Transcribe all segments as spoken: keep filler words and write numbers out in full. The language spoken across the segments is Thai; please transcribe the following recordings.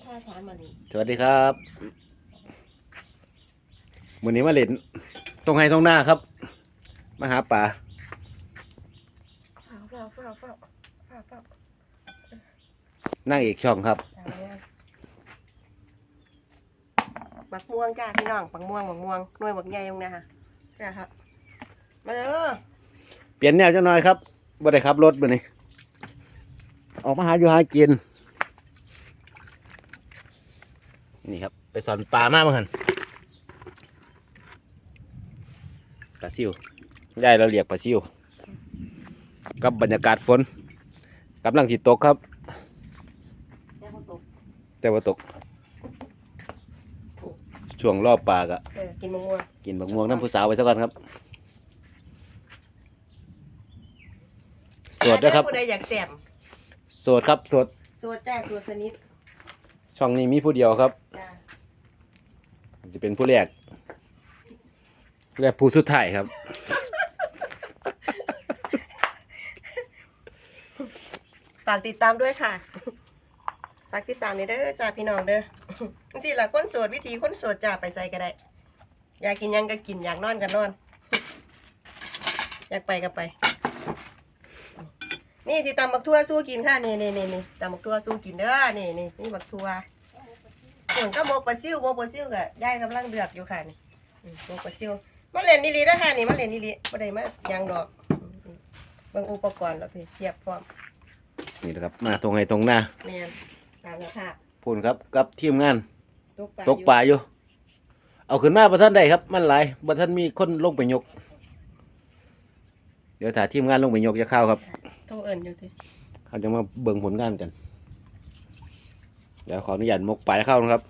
ท่าทานมานี่สวัสดีครับวันนี้มาเล่นตรงไฮตรงหน้าครับมาหาป่าเฝ้าเฝ้าเฝ้าเฝ้าเฝ้าเฝ้านั่งอีกช่องครับบักม่วงจ้าพี่น้องบักม่วงบักม่วงหน่วยบักใหญ่ตรงนี้ค่ะจ้าครับมาเด้อเปลี่ยนแนวจังหน่อยครับบ่ได้ขับรถมื้อนี้ออกมาหาอยู่หากินนี่ครับไปสอนปลามาเมื่อกันปลาซิวยายเราเรียกปลาซิวกับบรรยากาศฝนกำลังสิตกครับแต่บ่ตกแต่ว่าตกช่วงรอบปลากะเออกินบักม่วงกินบักม่วงน้ำผู้สาวไปซะก่อนครับสวดด้วยครับผู้ใดอยากแซ่บสวดครับสวดสวดจ้าสวดสนิทช่องนี้มีผู้เดียวครับจ้าจะเป็นผู้แรกและผู้สุดท้ายครับฝากติดตามด้วยค่ะฝากติดตามนี่เด้อจ้าพี่น้องเด้อจังซี่ล่ะคนโสดวิธีคนโสดจ้าไปใส่ก็ได้อยากกินหยังก็กินอยากนอนก็นอนอยากไปก็ไปนี่ที่ตำบักทั่วสู้กินค่ะนี่นี่นี่นี่ตำบักทั่วสู้กินเด้อนี่นี่นี่บักทั่วส่วนก็หมกปลาซิวหมกปลาซิวก็ยายกำลังเดือกอยู่ค่ะนี่หมกปลาซิวมาเล่นนี่ลีนะค่ะนี่มาเล่นนี่ลีบ่ได้มายังดอกเบิ่งอุปกรณ์แล้วพี่เทียบพร้อมนี่นะครับมาตรงไหนตรงหน้าแม่นตามสภาพพูนครับกับทีมงานตกปปลาอยู่เอาขึ้นมาประท่านใดครับมันหลายประท่านมีคนลงไปยกเดี๋ยวถ่ายทีมงานลงไปยกจะเข้าครับโทรเอิญอยู่ทีเขาจะมาเบิ่งผลงานกันเดี๋ยวขออนุญาตมกปลายเข้านะครับ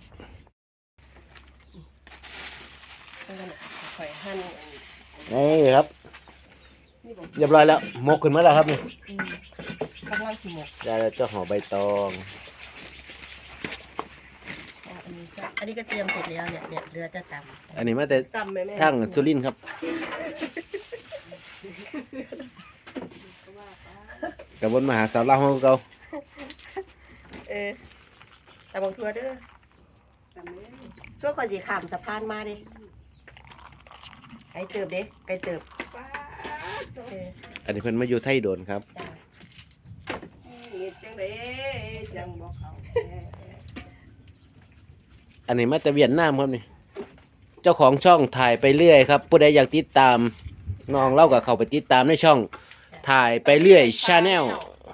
ข่อยหั่นนี่ครับเรียบร้อยแล้วมกขึ้นมาแล้วครับนี่กำลังสิหมกได้แล้วเจ้าห่อใบตองอันนี้ก็อันนี้ก็เตรียมเสร็จแล้วเนี่ยเนี่ยเรือจะตำอันนี้มาแต่ตำไหมแม่ทั้งสุรินทร์ครับกระบวนมหาสาวเล่าของเขาเออตำบักทั่วเด้อช่วงก่อนสีขามสะพานมาดิไก่เติบเด้ไก่เติบอันนี้เพิ่นมาอยู่ไทยโดนครับอันนี้มาแต่เวียดนามครับนี่เจ้าของช่องถ่ายไปเรื่อยครับผู้ใดอยากติดตามน้องเล่ากับเขาไปติดตามในช่องถ่ายไปเรื่อยชาแนล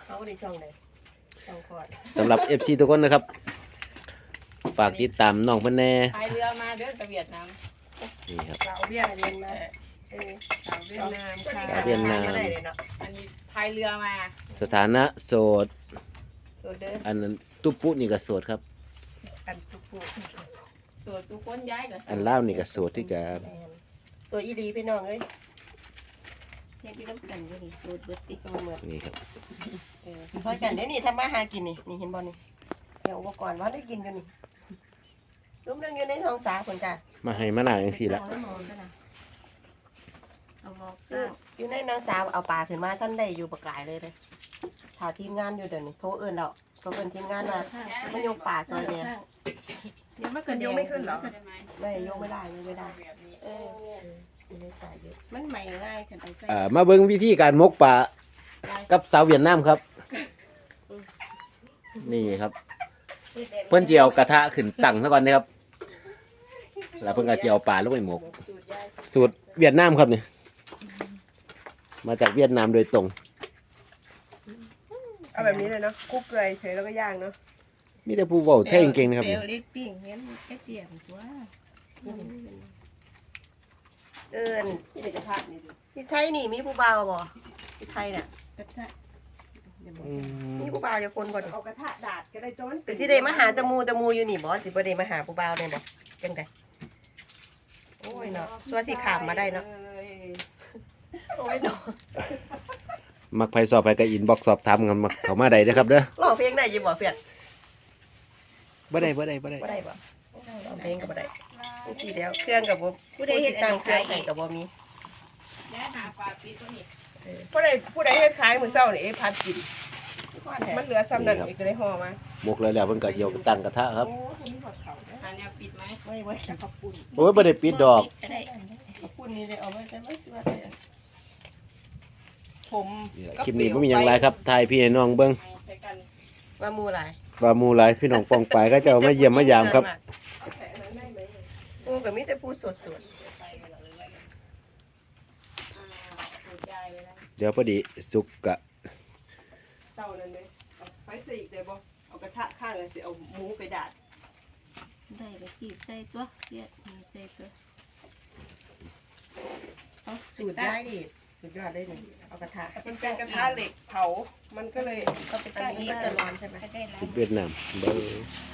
สำหรับ เอฟ ซี ทุกคนนะครับฝากติดตามน้องเพิ่นแน่พายเรือมาเด้อกับเวียดนามนี่ครับสาวเวียดนามเออสาวเวียดนามค่ะสาวเวียดนามอันนี้พายเรือมาสถานะโสดอันนั้นตุ๊ปุ๊นี่ก็โสดครับอันตุ๊ปุ๊โสดทุกคนย้ายกับอันเล่านี่ก็โสดที่กับโสดอีหลีพี่น้องเอ้ยเนี่ยพี่น้ำกันอยู่นี่โสดเบิดติโสดเหมือนนี่ครับเออซอยกันเดี๋ยวนี้ทำมาหากินนี่นี่เห็นบ่นี่เดี๋ยวอุปกรณ์ว่าได้กินกันนี่ลุ้มเรื่องอยู่ในท้องสาคนจ้ะมาให้มาหน่าจังซี่ละอยู่ในน้องสาวเอาปลาขึ้นมาท่านได้อยู่ปลากายเลยเลยถ่าทีมงานอยู่เดี๋ยวนี้โทรเอิญแล้วโทรเอิญทีมงานมาไม่ยกปลาซอยเนี่ยยังไม่เกินยกไม่ขึ้นหรอไม่ยกไม่ได้ยกไม่ได้เออมันใหม่ง่ายกันไปเอ่อมาเบิ่งวิธีการมกปลากับสาวเวียดนามครับนี่ครับเพิ่นสิเอากระทะขึ้นตั้งซะก่อนนะครับแล้วเพิ่นก็สิเอาปลาลงไปหมกสูตรเวียดนามครับนี่มาจากเวียดนามโดยตรงเอาแบบนี้เลยเนาะคุกเกลือเฉยแล้วก็ย่างเนาะมีแต่ผู้เว้าไทยเก่งๆนะครับเปลวลิปปิ้งเห็นแค่เตียงตัวเอิญที่กระทะนี่ที่ไทยนี่มีผู้บ่าวบ่ที่ไทยน่ะกระทะมีผู้บ่าวอยู่คนบ่เอากระทะดาดก็ได้จนแต่สิได้มาหาตะมูตะมูอยู่นี่บ่สิบ่ได้มาหาผู้บ่าวได้บ่จังได๋โอ้ยเนาะสัวสิขามมาได้เนาะโอ้ยเนาะมักไผสอบไปก็อินบ็อกซ์สอบถามกันมาเข้ามาได้เด้อครับเด้อร้องเพลงได้อยู่บ่เพื่อนบ่ได้บ่ได้บ่ได้บ่ได้บ่ร้องเพลงก็บ่ได้จังซี่แล้วเครื่องก็บ่ผู้ใดเฮ็ดตั้งเครื่องให้ก็บ่มีย้ายหาปลาปีตัวนี้ผู้ใดผู้ใดเฮ็ดขายมื้อเช้านี่เอ๊ะพัดกินมันเหลือซ้ำนั่นอีกเลยห่อมาหมกเลยแล้วเพิ่นก็เจียวตั้งกระทะครับโอ้คุณมีหัวเขาอันนี้ปิดไหมไม่ไว้ขอบคุณโอ้ยบ่ได้ปิดดอกก็ได้ขอบคุณนี่เลยเอาไว้แต่ไม่เสื้อใส่ผมนี่แหละคลิปนี้บ่มีหยังหลายครับถ่ายพี่ให้น้องเบิ่งใช้กันว่ามูหลายว่าหมู่หลายพี่น้องป้องปายก็จะเอามาเยี่ยมมายามครับโอ้กับมีแต่ผู้สดสดไปเวลาเลยอ่าหัวใจไปแล้วเดี๋ยวพอดีสุกกะเต่านั่นเลยเอาไฟสีกเลยบ่เอากระทะข้างเลยสิเอาหมูไปดาดได้ไปขีดใส่ตัวเสียดใส่ตัวเอาสูตรได้ดิสุดยอดเลยนี่เอากระทะมันเป็นกระทะเหล็กเผา มันก็เลยก็ไปอันตั้งนี้นี้ก็จะร้อนใช่ไหมก็ได้แล้วสุดเวียดนามเบิ่ง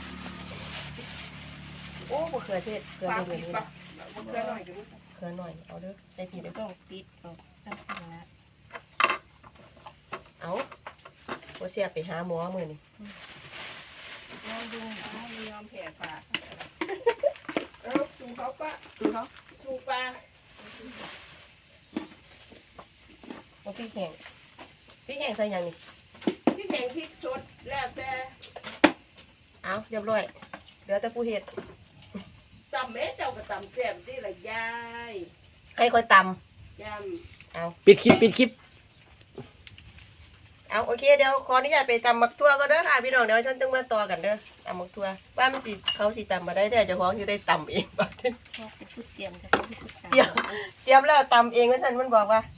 โอ้บะเขือเทศเกลือปลาเดือปิดดนี่ปะมันเกลือหน่อยดูเกลือหน่อยเอาเด้อใส่ผิดเด้อต้องปิดเอาสั้นๆนะเอาโอเสียไปหาหมอมือนี่ลองดูเอาไม่ยอมแผ่ปลาเอาสู่เขาปะซื้อเขาสู่ปลาเอาพริกแห้งพริกแห้งใส่หยังนี่พี่แกงพริกสดแล้วแต่เอาเรียบร้อยเหลือแต่ผู้เฮ็ดตำแม่เจ้าก็ตำแซ่บดีละยายให้คอยตยปิดคลิปปิดคลิปำเอาโอเคเดี๋ยวขออนุญาตไปตำมักทั่วก็เด้อค่ะพี่น้องเดี๋ยวฉันต้องมาต่อกันเด้อตำมักทั่วว่ามันสิเขาสิตำมาได้แต่เจ้าของอยู่ได้ตำเอง บัดนี้พวกจะพูดเตรียมจะพูดตามเดี๋ยว เตรียมแล้วตำเองว่าฉันมันบอกว่า